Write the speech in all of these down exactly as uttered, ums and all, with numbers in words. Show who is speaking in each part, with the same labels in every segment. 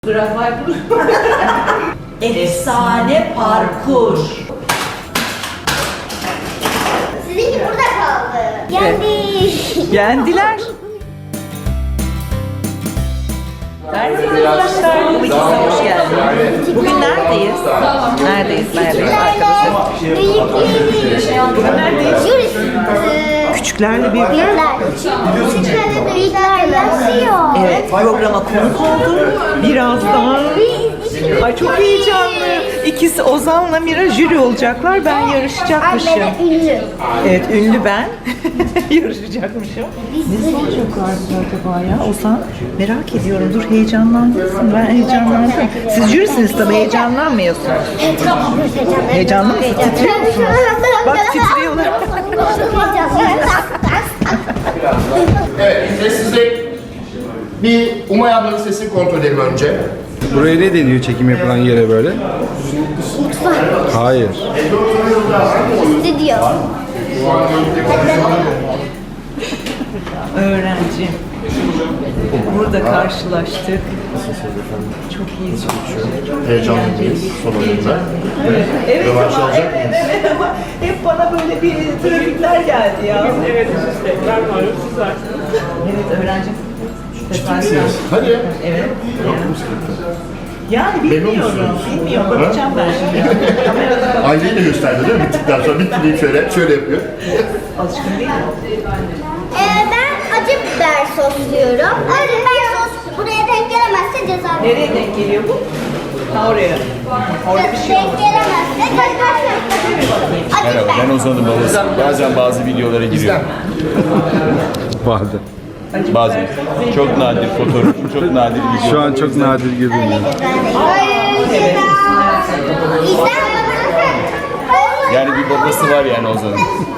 Speaker 1: Grafay bulur. Efsane parkur.
Speaker 2: Sizinki burada kaldı. Yendi.
Speaker 3: Yendiler. Merhaba arkadaşlar. Bu ikisine hoş geldiniz. Bugün neredeyiz? Neredeyiz? Neredeyiz arkadaşlar? Bugün neredeyiz? Küçüklerle bir
Speaker 2: Küçüklerle büyükler yaşıyor.
Speaker 3: Evet, programa konuk oldum. Birazdan. Ay çok heyecanlı. İkisi Ozan'la Mira jüri olacaklar. Ben yarışacakmışım.
Speaker 2: Ünlü.
Speaker 3: Evet, ünlü ben. Yarışacakmışım. Ne soracaklardı acaba ya? Ozan, merak ediyorum. Dur, heyecanlandın mısın? Ben heyecanlandım. Siz jürisiniz tabii, heyecanlanmıyorsunuz. Heyecanlı mısın? Titriyor musunuz? Bak titriyorlar.
Speaker 4: Evet, sessizlik. Bir Umay ablanın sesini kontrol edelim önce.
Speaker 5: Buraya ne deniyor çekim yapılan yere böyle? Hayır.
Speaker 2: Stüdyo.
Speaker 3: Öğrenci. Burada karşılaştık. Çok iyi.
Speaker 4: Heyecanlıyız son oyunda.
Speaker 3: Evet
Speaker 4: Rövanş
Speaker 3: ama
Speaker 4: alacak
Speaker 3: evet, evet ama hep bana böyle bir trafikler geldi ya. Evet, ben varım, siz varsınız. Evet, öğrenci.
Speaker 4: Hadi ya.
Speaker 3: Evet. Yani bilmiyorum, bilmiyorum. Bakacağım ben şimdi. Kamerada
Speaker 4: Aileyi de gösterdi değil mi? Bittikten sonra bitti deyip şöyle, şöyle yapıyor.
Speaker 3: alışkın değil mi?
Speaker 2: Ee, ben acı biber sos diyorum. Acı biber sos buraya denk gelemezse ceza veriyorum.
Speaker 3: Nereye denk geliyor bu? Ha oraya. Orada bir şey
Speaker 2: Denk
Speaker 3: olmaz.
Speaker 2: gelemezse ceza veriyorum. Acı
Speaker 6: Merhaba,
Speaker 2: biber.
Speaker 6: ben Ozan'ın babası. Bazen bazı videolara giriyorum.
Speaker 5: Vardı.
Speaker 6: Bazen. Çok nadir fotoğrafım, çok nadir video.
Speaker 5: Şu an çok nadir görünüyor.
Speaker 2: Evet.
Speaker 6: Yani bir babası var yani Ozan'ın.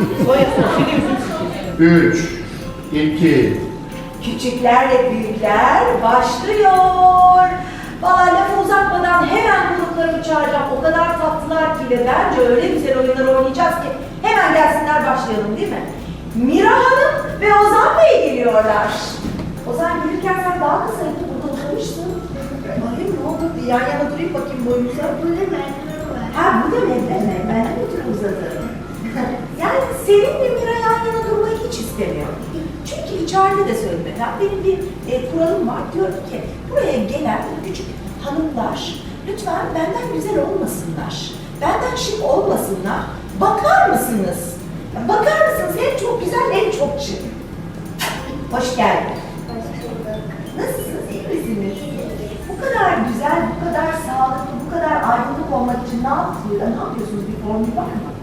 Speaker 4: Üç, iki,
Speaker 1: Küçüklerle büyükler başlıyor. Valla lafı uzatmadan hemen gruplarımı çağıracağım. O kadar tatlılar ki ve bence öyle güzel oyunlar oynayacağız ki hemen gelsinler, başlayalım değil mi? Mira Hanım ve Ozan Bey geliyorlar. Ozan gelirken sen daha kısaydın, burada oturmuşsun. Bakayım ne oldu? Bir yan yana durayım bakayım boyumuza. Ha bu da mevleme, ben de oturup uzadım. Yani seninle Mira yan yana durmayı hiç istemiyorum. Çünkü içeride de söyledim. Ben benim bir e, kuralım var. Diyorum ki buraya gelen küçük hanımlar lütfen benden güzel olmasınlar. Benden şık olmasınlar. Bakar mısınız? Bakar mısınız? Hem çok güzel hem çok şık. Hoş geldin. Nasılsınız? İyi misiniz? Bu kadar güzel, bu kadar sağlıklı, bu kadar aydınlık olmak için ne yapıyorsunuz? Ne yapıyorsunuz? Bir formül var mı?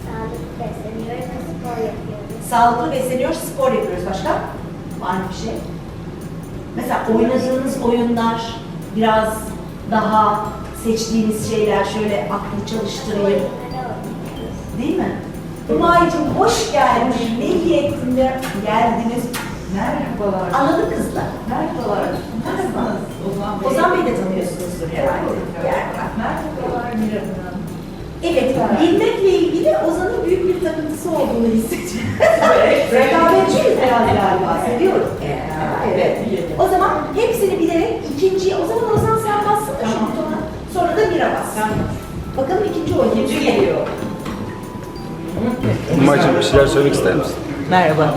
Speaker 1: Sağlıklı besleniyor, spor yapıyoruz. Başka? Var mı bir şey? Mesela oynadığınız oyunlar, biraz daha seçtiğiniz şeyler, şöyle aklı çalıştırayım. Değil mi? Umay'cığım hoş geldin. Ne iyi ettin de geldiniz. Merhabalar. Anladı kızlar. Merhabalar. Nasılsınız? Ozan Bey. Ozan Bey'i de tanıyorsunuzdur herhalde. Merhabalar Mira Hanım. Evet, bilmekle ilgili Ozan'ın büyük bir takıntısı olduğunu hissediyorum. Rekabetçiyiz biraz galiba, seviyorum. Evet. O zaman hepsini bilerek ikinci, o zaman Ozan sen bassana şu butona, sonra da Mira bas. Bakalım ikinci oyun. İkinci geliyor.
Speaker 5: Umay'cığım bir şeyler söylemek ister misin?
Speaker 3: Merhaba.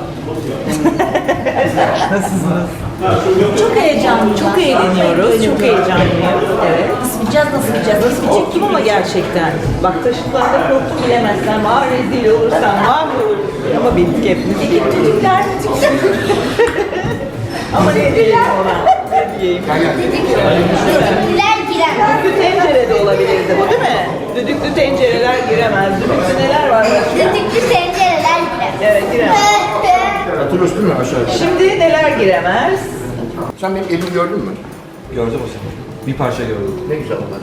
Speaker 3: Nasılsınız? Çok heyecanlı, çok eğleniyoruz, çok heyecanlıyım. Evet.
Speaker 1: Nasıl bileceğiz, nasıl bileceğiz, nasıl bileceğiz?
Speaker 3: Çektim ama gerçekten. Bak taşıtlarda korktum, bilemezsem, var rezil olursam, mahvolur. Ama bildik hepimiz. İki düdükler, ama ne diyeyim ona? Ne diyeyim?
Speaker 2: Düdükler giremez.
Speaker 3: Düdüklü tencere de olabilirdi bu, değil mi? Düdüklü tencereler giremez. Düdüklü neler var başka?
Speaker 2: Düdüklü tencereler giremez.
Speaker 3: Evet, giremez.
Speaker 4: hatırlıyorsun değil mi aşağıya?
Speaker 3: Şimdi neler giremez?
Speaker 4: Sen benim elimi gördün mü?
Speaker 5: Gördüm o zaman. Bir parça gördüm.
Speaker 4: Ne güzel onlar.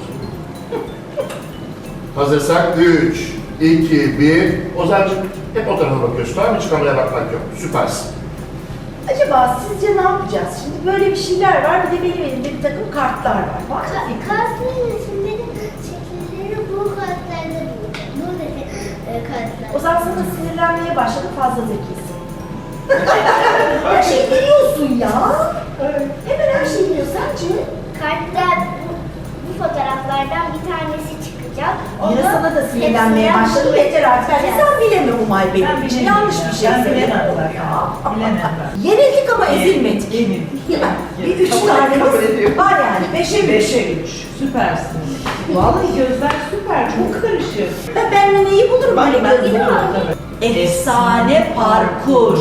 Speaker 4: Hazırsak üç, iki, bir. Ozan'cığım hep o tarafa bakıyorsun, tamam mı? Hiç kameraya bakmak yok. Süpersin.
Speaker 1: Acaba sizce ne yapacağız? Şimdi böyle bir şeyler var, bir de benim elimde bir takım kartlar var. Var mı fikrin?
Speaker 2: Kasların isimleri şekilleri bu kartlarda bulacak. Bu dedi e, kartlar.
Speaker 1: O zaman sana sinirlenmeye başladım, fazla zekisin. her şeyi biliyorsun ya. Hemen her şeyi biliyorsun. Sence
Speaker 2: Kartta bu fotoğraflardan bir tanesi çıkacak.
Speaker 1: Yine
Speaker 2: Onu
Speaker 1: sana da sinirlenmeye
Speaker 2: hepsinden
Speaker 1: başladım. Yeter artık. Yani
Speaker 2: seçeceğiz.
Speaker 1: sen bileme Umay benim için. Yanlış bir şey
Speaker 3: Ben
Speaker 1: söyledin.
Speaker 3: bilemem zaten. Bilemem ben.
Speaker 1: Yenildik ama ezilmedik. Bir üç tanemiz var yani. Beşe üç.
Speaker 3: Beşe üç. Süpersiniz. Vallahi gözler süper. Çok karışık.
Speaker 1: Ben benimle neyi bulurum
Speaker 3: Bak
Speaker 1: böyle
Speaker 3: ben
Speaker 1: gözüm?
Speaker 3: bulurum.
Speaker 1: Efsane parkur.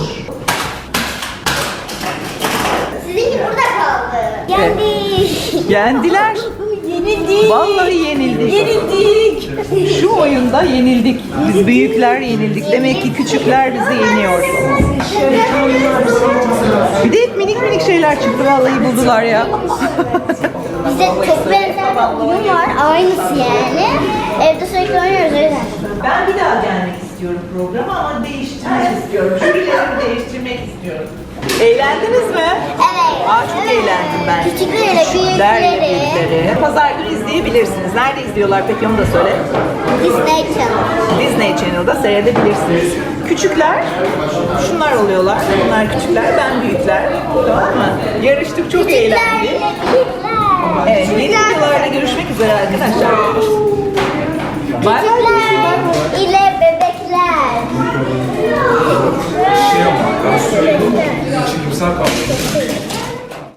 Speaker 2: Sizinki burada kaldı. Yendik.
Speaker 3: Yendiler.
Speaker 1: Yenildik.
Speaker 3: Vallahi yenildik.
Speaker 1: Yenildik.
Speaker 3: Şu oyunda yenildik. Biz büyükler yenildik. Demek ki küçükler bizi yeniyor. Bir de hep minik minik şeyler çıktı. Vallahi buldular ya.
Speaker 2: Bize çok benzer bir oyun var. Aynısı yani. Evde sürekli oynuyoruz o yüzden.
Speaker 3: Ben bir daha gelmek istiyorum programa ama değiştirmek istiyorum. Jürilerimi değiştirmek istiyorum. Eğlendiniz mi?
Speaker 2: Evet.
Speaker 3: Aa, çok
Speaker 2: evet.
Speaker 3: eğlendim ben.
Speaker 2: Küçüklerle
Speaker 3: Küçüklerle
Speaker 2: büyükleri.
Speaker 3: büyükleri. Pazar günü izleyebilirsiniz. Nerede izliyorlar peki onu da söyle.
Speaker 2: Disney Channel.
Speaker 3: Disney Channel'da seyredebilirsiniz. Küçükler, şunlar oluyorlar. Bunlar küçükler, ben büyükler. Tamam mı? Yarıştık, çok eğlendik.
Speaker 2: Küçüklerle büyükler.
Speaker 3: Evet, yeni videolarda görüşmek üzere arkadaşlar. Bay bay.